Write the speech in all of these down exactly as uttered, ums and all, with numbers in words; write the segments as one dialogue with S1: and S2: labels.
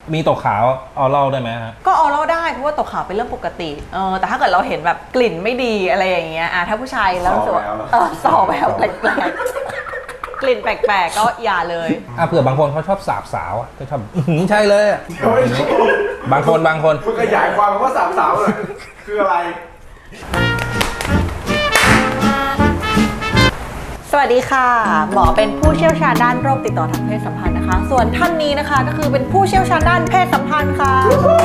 S1: มีตกขาวออเล่าได้ไหมฮะ
S2: ก็ออเล่าได้เพราะว่าตกขาวเป็นเรื่องปกติเออแต่ถ้าเกิดเราเห็นแบบกลิ่นไม่ดีอะไรอย่างเงี้ยอ่ะถ้าผู้ชายแล้วรู้สึกว่าเออส่อแววแปลกๆกลิ่นแปลกๆก็อย่าเลย
S1: อ่ะเผื่อบางคนเขาชอบสาบสาวอ่ะก็ชอบใช่เลยบางคนบางคน
S3: คุณขยายความว่าสาบสาวเลยคืออะไร
S2: สวัสดีค่ะหมอเป็นผู้เชี่ยวชาญด้านโรคติดต่อทางเพศสัมพันธ์นะคะส่วนท่านนี้นะคะก็คือเป็นผู้เชี่ยวชาญด้านเพศสัมพันธ์ค่ะ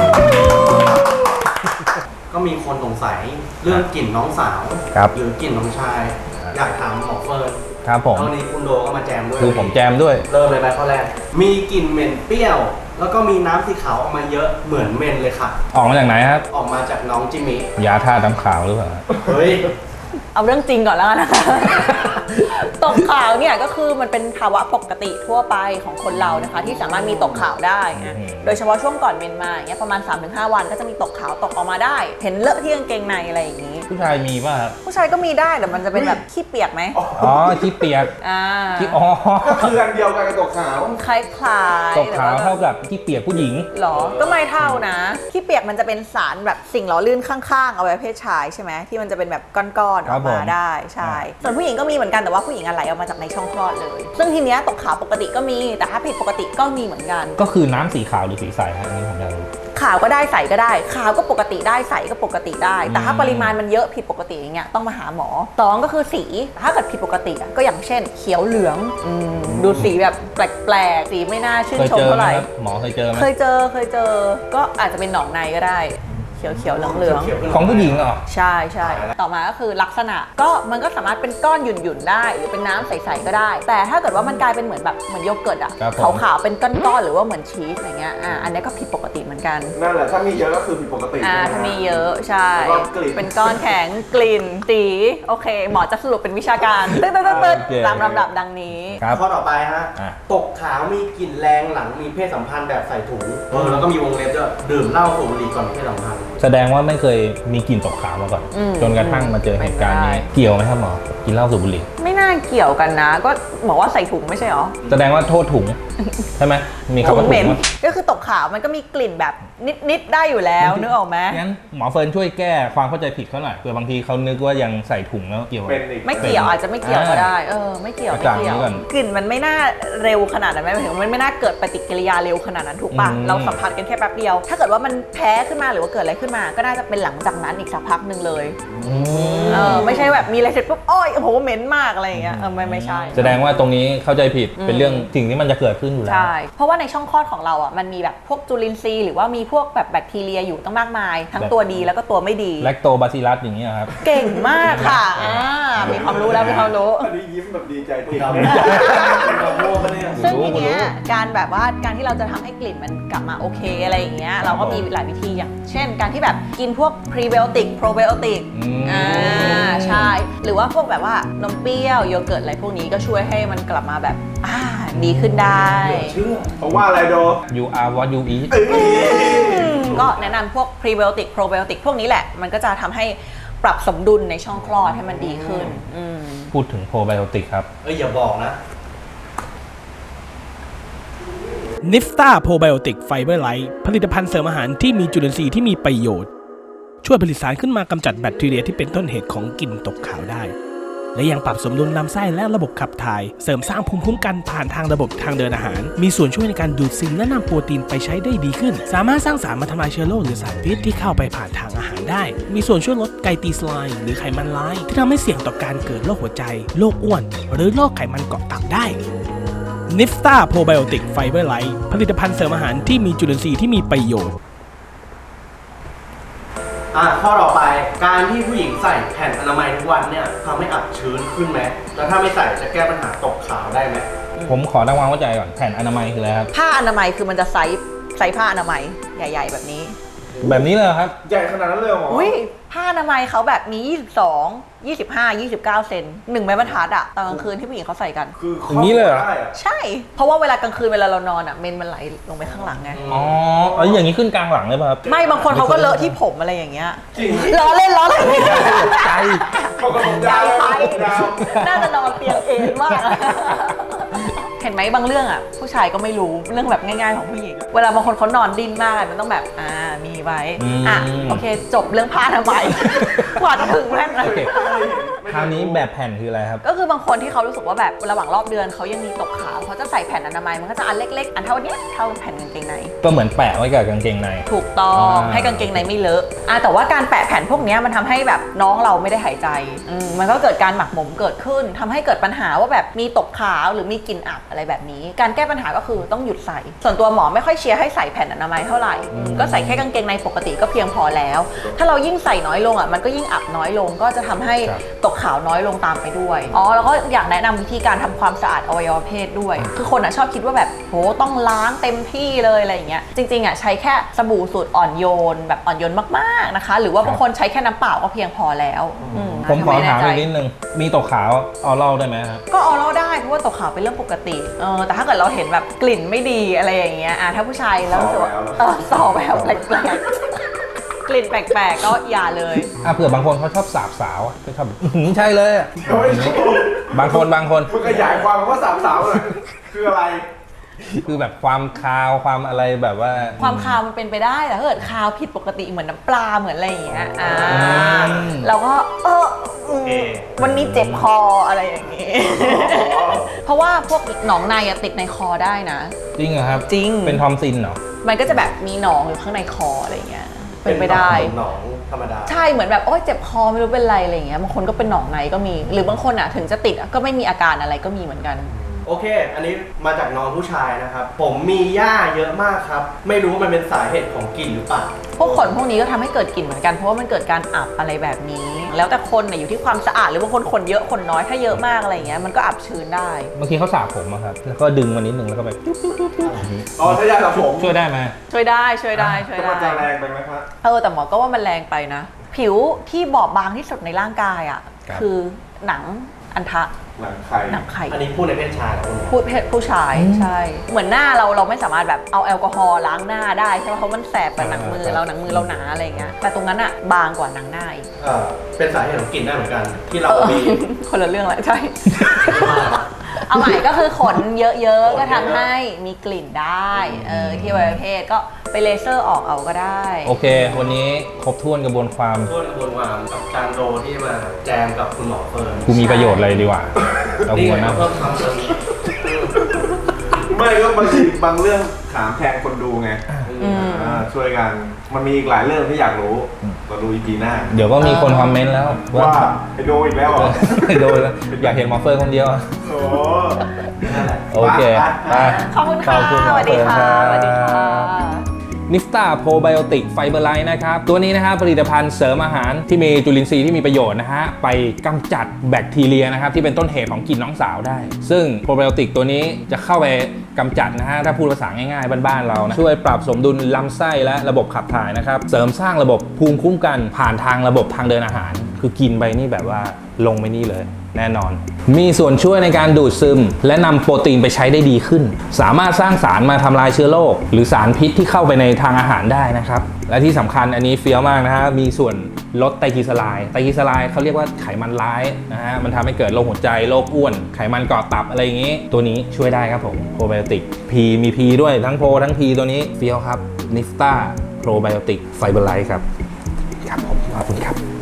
S4: ก็มีคนสงสัยเรื่องกลิ่นน้องสาวหรือกลิ่นน้องชายอยากถามหมอเฟิร์น
S1: ครับผม
S4: ตอนนี้คุณโดก็มาแจมด้วย
S1: คือผมแจมด้วย
S4: เริ่มเลยไหมข้อแรกมีกลิ่นเหม็นเปรี้ยวแล้วก็มีน้ำสีขาวออกมาเยอะเหมือนเมนเลยค่ะ
S1: ออกมาจากไหนครับ
S4: ออกมาจากน้องจิมมี่
S1: ยาทาน้ำขาวหรือเปล่า
S4: เฮ้ย
S2: เอาเรื่องจริงก่อนแล้วกันนะคะตกขาวเนี่ยก็คือมันเป็นภาวะปกติทั่วไปของคนเรานะคะที่สามารถมีตกขาวได้นะโดยเฉพาะช่วงก่อนเมนมาอย่างเงี้ยประมาณ สามถึงห้า วันก็จะมีตกขาวตกออกมาได้เห็นเลอะที่กางเกงในอะไรอย่างงี้
S1: ผู้ชายมีป่ะครับ
S2: ผู้ชายก็มีได้แต่มันจะเป็นแบบขี้เปียกไหม
S1: อ๋อขี้เปียก
S2: อ่า
S1: ขี้อ๋อ
S3: ก็คืออันเดียวกันกับตกขาว
S2: คล้าย
S1: ๆตกขาวเท่ากับขี้เปียกผู้หญิง
S2: หรอก็ไม่เท่านะขี้เปียกมันจะเป็นสารแบบสิ่งหล่อลื่นข้างๆเอาไว้เพศชายใช่ไหมที่มันจะเป็นแบบก้อนๆออกมาได้ใช่ส่วนผู้หญิงก็มีเหมือนกันแต่ว่าผู้หญิงอะไรออกมาจากในช่องคลอดเลยซึ่งทีเนี้ยตกขาวปกติก็มีแต่ถ้าผิดปกติก็มีเหมือนกัน
S1: ก็คือน้ำสีขาวหรือสีใสฮะอันนี้ผมอยากรู้
S2: ขาวก็ได้ใสก็ได้ขาวก็ปกติได้ใสก็ปกติได้แต่ถ้าปริมาณมันเยอะผิดปกติอย่างเงี้ยต้องมาหาหมอสองก็คือสีถ้าเกิดผิดปกติก็อย่างเช่นเขียวเหลืองดูสีแบบแปลกๆสีไม่น่าชื่นชมเท่าไหร่
S1: หมอเคยเจอไหม
S2: เคยเจอเคยเจอก็อาจจะเป็นหนองในก็ได้เขียวๆเหลือง
S1: ๆของผู้หญิงเหรอ
S2: ใช่ใช่ต่อมาก็คือลักษณะก็มันก็สามารถเป็นก้อนหยุ่นๆได้หรือเป็นน้ำใสๆก็ได้แต่ถ้าเกิดว่ามันกลายเป็นเหมือนแบบเหมือนโยเกิร์ตอะขาวๆเป็นก้อนๆหรือว่าเหมือนชีสอะไรเงี้ยอ่าอันนี้ก็ผิดปกติเหมือนกัน
S3: นั่นแหละถ้ามีเยอะก็คือผิดปกติ
S2: อ่าถ้ามีเยอะใช่เป็นก้อนแข็งกลิ่นสีโอเคหมอจะสรุปเป็นวิชาการตึ๊ดๆๆตามลำดับดังนี้
S4: ข้อต่อไปฮะตกขาวมีกลิ่นแรงหลังมีเพศสัมพันธ์แบบใส่ถุงแล้วก็มีวงเล็บด้วยดื่มเหล้าสูบบุหรี่ก่อนเพศสัมพันธ์
S1: แสดงว่าไม่เคยมีกลิ่นตกขาวมาก่อนจนกระทั่งมาเจอเหตุการณ์นี้เกี่ยวไหมครับหมอกินเหล้าสูบบุหรี่
S2: ไม่น่าเกี่ยวกันนะก็บอกว่าใส่ถุงไม่ใช่หรอ
S1: แสดงว่าโทษถุงใช่ไหมมีคำว่าถุง
S2: ก็คือตกขาวมันก็มีกลิ่นแบบนิดๆได้อยู่แล้วนึกออกไหม
S1: งั้นหมอเฟิร์นช่วยแก้ความเข้าใจผิดเขาหน่อยเผื่อบางทีเขานึกว่ายังใส่ถุงแล้วเกี่ยว
S2: ไม่เกี่ยวอาจจะไม่เกี่ยวก็ได้เออไม่เกี่ยวไม่เกี่ยวกลิ่นมันไม่น่าเร็วขนาดนั้นไหมหมายถึงมันไม่น่าเกิดปฏิกิริยาเร็วขนาดนั้นถูกป่ะเราสัมผัสกันแค่แป๊บเดียวถ้าเกิดว่ามันแพ้ขึ้นมาหรือว่าเกิดอะไรขึ้นมาก็น่าจะเป็นหลังจากนั้นอีกสักพักหนึ่งเลยเออไม่ใช่แบบมีอะไรเสร็จปุ๊บโอ้ยโอ้โหเหม็นมากอะไรอย่างเงี้ยเออไม่ไม่ใช่
S1: แสดงว่าตรงนี้เข้าใจผิดเป็นเรื่องสิ่งที่มันจะเกิดขึ้นอยู่แล้ว
S2: ใช่เพราะว่าในช่องคลอดของเราอ่ะมันมีแบบพวกจุลินทรีย์หรือว่ามีพวกแบบแบคทีเรียอยู่ตั้งมากมายทั้งตัวดีแล้วก็ตัวไม่ดี
S1: แลคโตบาซิลัสอย่างเงี้ยครับ
S2: เก่งมากค่ะอ่ามีความรู้แล้วมีความรู้
S3: อันนี้ยิ้มแบบดีใจจริง
S2: ซึ่งทีเนี้ยการแบบว่าการที่เราจะทำให้กลิ่นมันกลับมาโอเคอะไรอย่างเงี้ยเราก็มีหลายวิธีอย่างเช่นการที่แบบกินพวกพรีไบโอติกโปรไบโอติกอ่าใช่หรือว่าพวกแบบว่านมเปรี้ยวโยเกิร์ตอะไรพวกนี้ก็ช่วยให้มันกลับมาแบบอ่าดีขึ้นได้
S3: เพราะว่าอะไรโด
S1: you are what you eat
S2: ก็แนะนำพวกพรีไบโอติกโปรไบโอติกพวกนี้แหละมันก็จะทำให้ปรับสมดุลในช่องคลอดให้มันดีขึ้น
S1: พูดถึงโปรไบโอติกครับ
S4: เอ้ยอย่าบอกนะ
S5: นิฟต้าโปรไบโอติกไฟเบอร์ไลท์ผลิตภัณฑ์เสริมอาหารที่มีจุลินทรีย์ที่มีประโยชน์ช่วยผลิตสารขึ้นมากำจัดแบคทีเรียที่เป็นต้นเหตุของกลิ่นตกขาวได้และยังปรับสมดุลลำไส้และระบบขับถ่ายเสริมสร้างภูมิคุ้มกันผ่านทางระบบทางเดินอาหารมีส่วนช่วยในการดูดซึมและนำโปรตีนไปใช้ได้ดีขึ้นสามารถสร้างสารมาทำลายเชื้อโรคหรือสารพิษที่เข้าไปผ่านทางอาหารได้มีส่วนช่วยลดไกลตีสไลน์หรือไขมันร้ายที่ทำให้เสี่ยงต่อการเกิดโรคหัวใจโรคอ้วนหรือโรคไขมันเกาะตับได้นิฟต้าโปรไบโอติกไฟเบอร์ไลท์ผลิตภัณฑ์เสริมอาหารที่มีจุลินทรีย์ที่มีประโยชน์
S4: อ่ะข้อต่อไปการที่ผู้หญิงใส่แผ่นอนามัยทุกวันเนี่ยทำให้อับชื้นขึ้นไหมแล้วถ้าไม่ใส่จะแก้ปัญหาตกขาวได้ไหม
S1: ผมขอตั้งความเข้าใจก่อนแผ่นอนามัยคืออะไรครับ
S2: ผ้าอนามัยคือมันจะไซส์ไซส์ผ้าอนามัยใหญ่ๆแบบนี้
S1: แบบนี้เลยครับ
S3: ใหญ่ขนาดนั้นเลยเหรอ
S2: อุ้ยผ้าอนามัยเขาแบบมียี่สิบสอง ยี่สิบห้า ยี่สิบเก้าเซนหนึ่งไม้บรรทัดอะตอนกลางคืนที่ผู้หญิงเขาใส่กัน
S3: คือ
S1: อย่างนี้เลยเหรอ
S2: ใช่เพราะว่าเวลากลางคืนเวลาเรานอนอะเมนมันไหลลงไปข้างหลังไง
S1: อ๋อเอาอย่างนี้ขึ้นกลางหลังเลยป่ะครับ
S2: ไม่บางคนเขาก็เลอะที่ผมอะไรอย่างเงี้ยล้อเล่นล้อเล่น
S1: ใจ
S2: ใจไปน่าจะนอนเตียงเองมากเห็นไหมบางเรื่องอ่ะผู้ชายก็ไม่รู้เรื่องแบบง่ายๆของผู้หญิงเวลาบางคนเขานอนดิ้นมากมันต้องแบบอ่ามีไว้อ่ะโอเคจบเรื่องผ้าทำไมย กว่าจะถึงแม่นเลย
S1: โอเคคราวนี้แบบแผ่นคืออะไรครับ
S2: ก็คือบางคนที่เขารู้สึกว่าแบบระหว่างรอบเดือนเขายังมีตกขาวเขาจะใส่แผ่นอนามัยมันก็จะอันเล็กๆอันเท่านี้เท่าแผ่นกางเกงใน
S1: ก็เหมือนแปะไว้กับกางเกงใน
S2: ถูกต้อง
S1: อ่า
S2: ให้กางเกงในไม่เลอะอ่ะแต่ว่าการแปะแผ่นพวกเนี้ยมันทำให้แบบน้องเราไม่ได้หายใจอืมมันก็เกิดการหมักหมมเกิดขึ้นทำให้เกิดปัญหาว่าแบบมีตกขาวหรือมีกลิ่นอับอะไรแบบนี้ การแก้ปัญหาก็คือต้องหยุดใส่ ส่วนตัวหมอไม่ค่อยเชียร์ให้ใส่แผ่นอนามัยเท่าไหร่อืมก็ใส่แค่กางเกงในปกติก็เพียงพอแล้ว ถ้าเรายิ่งใส่น้อยลงอ่ะมันก็ยิ่งอับน้อยลงก็จะทำให้
S1: ครับ
S2: ตกขาวน้อยลงตามไปด้วยอ๋อแล้วก็อยากแนะนำวิธีการทำความสะอาดอวัยวะเพศด้วย คือคนอ่ะชอบคิดว่าแบบโหต้องล้างเต็มที่เลยอะไรอย่างเงี้ยจริงๆอ่ะใช้แค่สบู่สูตรอ่อนโยนแบบอ่อนโยนมากๆนะคะ หรือว่าบางคนใช้แค่น้ำเปล่าก็เพียงพอแล้วอื
S1: ผมขอถาม
S2: ไแน่
S1: อีก
S2: ใจ
S1: นิดนึง มีตกขาวเอาเล่าได้ไหมครับ
S2: ก็เอาเราได้เพราะว่าตกขาวเป็นเรื่องปกติเออแต่ถ้าเกิดเราเห็นแบบกลิ่นไม่ดีอะไรอย่างเงี้ยอ่ะถ้าผู้ชายแล้วรู้สึกว่าเออสอบแบบแปลกๆกลิ่นแปลกๆก็อย่าเลย
S1: อ่ะเผื่อบางคนเขาชอบสาบสาวอะก็ชอบแบบอื้อหือใช่เลยอะบางคนบางคน
S3: มึงขยายความคำว่าสามสาวเลยคืออะไร
S1: คือแบบความคาวความอะไรแบบว่า
S2: ความคาวมันเป็นไปได้แต่ถ้าเกิดคาวผิดปกติเหมือนน้ำปลาเหมือนอะไรอย่างเงี้ยอ่า
S1: อืม
S2: เราก็เอออืมวันนี้เจ็บคออะไรอย่างงี้ เพราะว่าพวกหนองในอะติดในคอได้นะ
S1: จริงเหรอครับ
S2: จริง
S1: เป็นทอมซินเหรอ
S2: มันก็จะแบบมีหนองอยู่ข้างในคออะไรอย่างเงี้ยเป็นไปได้
S4: หนองธรรมดา
S2: ใช่เหมือนแบบโอ๊ยเจ็บคอไม่รู้เป็นไรอะไรอย่างเงี้ยบางคนก็เป็นหนองในก็มี หรือบางคนอ่ะถึงจะติดอะก็ไม่มีอาการอะไรก็มีเหมือนกัน
S4: โอเค อันนี้มาจากน้องผู้ชายนะครับ ผมมีหญ้าเยอะมากครับ ไม่รู้มันเป็นสาเหตุของกลิ่นหรือเปล่า
S2: พวกขนพวกนี้ก็ทำให้เกิดกลิ่นเหมือนกันเพราะว่ามันเกิดการอับอะไรแบบนี้ แล้วแต่คนเนี่ยอยู่ที่ความสะอาดหรือบางคนขนเยอะขนน้อยถ้าเยอะมากอะไรอย่างเงี้ยมันก็อับชื้นได้
S1: บางทีเขาสระผมอะครับ แล้วก็ดึงมานิดนึงแล้วก็แบบจุ๊บจุ๊บจุ๊บจุ๊บอย่างนี้
S3: อ๋อใช้ยาสระผม
S1: ช่วยได้ไหม
S2: ช่วยได้ช่วยได้ช่วย
S3: แต่มันจะ
S2: ได้
S3: แรงไปไหมครับ
S2: เออแต่หมอก็ว่ามันแรงไปนะ ผิวที่บอบบางที่สุดในร่างกายอ่ะคือหนังอันทะ
S3: หนังไข่
S2: หนังไข่
S4: อันนี้พูดในเพศชายเหรอคุณหมอ
S2: พูดเพศผู้ชายใช่ เหมือนหน้าเราเราไม่สามารถแบบเอาแอลกอฮอล์ล้างหน้าได้ใช่ไหมเพราะมันแสบกับหนังมือเราหนังมือเราหนาอะไรเงี้ยแต่ตรงนั้นอะบางกว่าหนังหน้าอีก
S4: เออเป็นสาเหตุของกลิ่นได้เหมือนกัน ที่เรา
S2: เออ
S4: มี
S2: คนละเรื่องแหละใช่ เอาใหม่ก็คือขนเยอะๆก็ทำให้มีกลิ่นได้เออที่อวัยวะเพศก็ไปเลเซอร์ออกเอาก็ได้
S1: โอเค วันนี้ครบถ้วนกระบวนความ
S4: พูดกระบวนความกับจานโรที่มาแจมกับคุณหมอเฟิร์น
S1: กูมีประโยชน์อะไรดีกว่าเรา
S4: นี่
S1: ควร
S4: ไง
S1: นะ
S4: เพิ่มความสนิท
S3: ไม่ก็บางทีบางเรื่องถามแทนคนดูไง
S2: อืม
S3: อ่าช่วยกัน มันมีอีกหลายเรื่องที่อยากรู้ก็ดูอีพีหน้า
S1: เดี๋ยวก็มีคนคอมเมนต์แล้ว
S3: ว่าไอโดอีกแล้วเหรอ
S1: โดนแล้วอยากเห็นหมอเฟิร์นคนเดียวอะ
S3: โอ้
S1: โอเคไป
S2: ขอบคุณค่ะ
S1: ขอบคุณ
S2: สวัสดีค่ะ
S1: รับ
S2: สวัสดีค่ะ
S1: นิฟตาโปรไบโอติกไฟเบอร์ไลท์นะครับ ตัวนี้นะครับผลิตภัณฑ์เสริมอาหารที่มีจุลินทรีย์ที่มีประโยชน์นะฮะ ไปกำจัดแบคทีเรียนะครับ ที่เป็นต้นเหตุของกลิ่นน้องสาวได้ ซึ่งโปรไบโอติกตัวนี้จะเข้าไปกำจัดนะฮะ ถ้าพูดภาษาง่ายๆ บ้านๆเรานะ ช่วยปรับสมดุลลำไส้และระบบขับถ่ายนะครับ เสริมสร้างระบบภูมิคุ้มกันผ่านทางระบบทางเดินอาหาร คือกินไปนี่แบบว่าลงไปนี่เลย แน่นอน มีส่วนช่วยในการดูดซึม และนำโปรตีนไปใช้ได้ดีขึ้น สามารถสร้างสารมาทำลายเชื้อโรคหรือสารพิษที่เข้าไปในทางอาหารได้นะครับ และที่สำคัญอันนี้เฟี้ยวมากนะฮะ มีส่วนลดไตรกลีเซอไรด์ไตรกลีเซอไรด์เขาเรียกว่าไขมันร้ายนะฮะ มันทำให้เกิดโรคหัวใจ โรคอ้วน ไขมันก่อตับอะไรอย่างนี้ ตัวนี้ช่วยได้ครับผมโปรไบโอติกพีมีพีด้วยทั้งโปรทั้งพีตัวนี้เฟี้ยวครับนิฟตาโปรไบโอติกไฟเบอร์ไลท์ครับครับผมขอบคุณครับ